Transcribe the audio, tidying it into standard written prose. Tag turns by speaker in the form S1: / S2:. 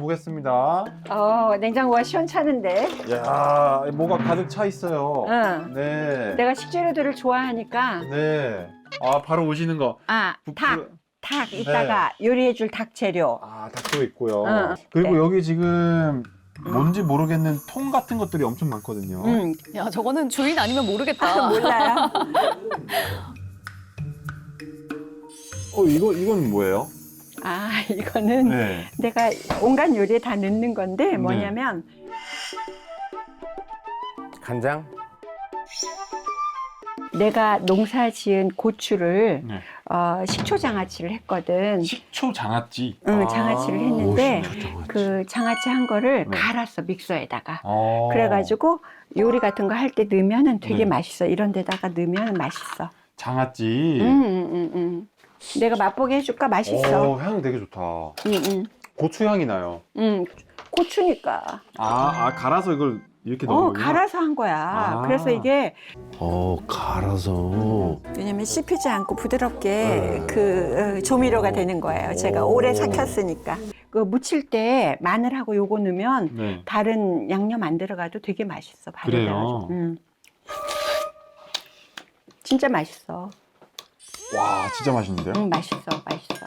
S1: 보겠습니다.
S2: 냉장고가 시원찮은데.
S1: 이야, 뭐가 가득 차 있어요.
S2: 응.
S1: 네.
S2: 내가 식재료들을 좋아하니까.
S1: 네. 아, 바로 오시는 거.
S2: 닭 이따가 요리해줄 닭 재료.
S1: 아, 닭도 있고요.
S2: 응.
S1: 그리고
S2: 네.
S1: 여기 지금 뭔지 모르겠는 통 같은 것들이 엄청 많거든요.
S3: 야, 저거는 주인 아니면 모르겠다.
S2: 몰라요.
S1: 이건 뭐예요?
S2: 이거는
S1: 네.
S2: 내가 온갖 요리에 다 넣는 건데 뭐냐면
S4: 간장?
S2: 내가 농사 지은 고추를
S1: 네.
S2: 식초 장아찌를 했거든.
S1: 식초 장아찌.
S2: 응, 장아찌를 했는데
S4: 장아찌.
S2: 그 장아찌 한 거를
S1: 네.
S2: 갈았어, 믹서에다가.
S1: 어.
S2: 그래가지고 요리 같은 거 할 때 넣으면은 되게
S1: 네.
S2: 맛있어. 이런 데다가 넣으면 맛있어.
S1: 장아찌.
S2: 내가 맛보게 해줄까? 맛있어.
S1: 향 되게 좋다. 고추 향이 나요.
S2: 고추니까.
S1: 갈아서 이걸 이렇게 넣는 거구나.
S2: 갈아서 한 거야. 그래서 이게
S4: 갈아서.
S2: 왜냐면 씹히지 않고 부드럽게 그 조미료가 되는 거예요. 제가 오래 삭혔으니까. 그 무칠 때 마늘하고 요거 넣으면
S1: 네.
S2: 다른 양념 안 들어가도 되게 맛있어.
S1: 그래요?
S2: 진짜 맛있어.
S1: 와, 진짜 맛있는데요?
S2: 맛있어.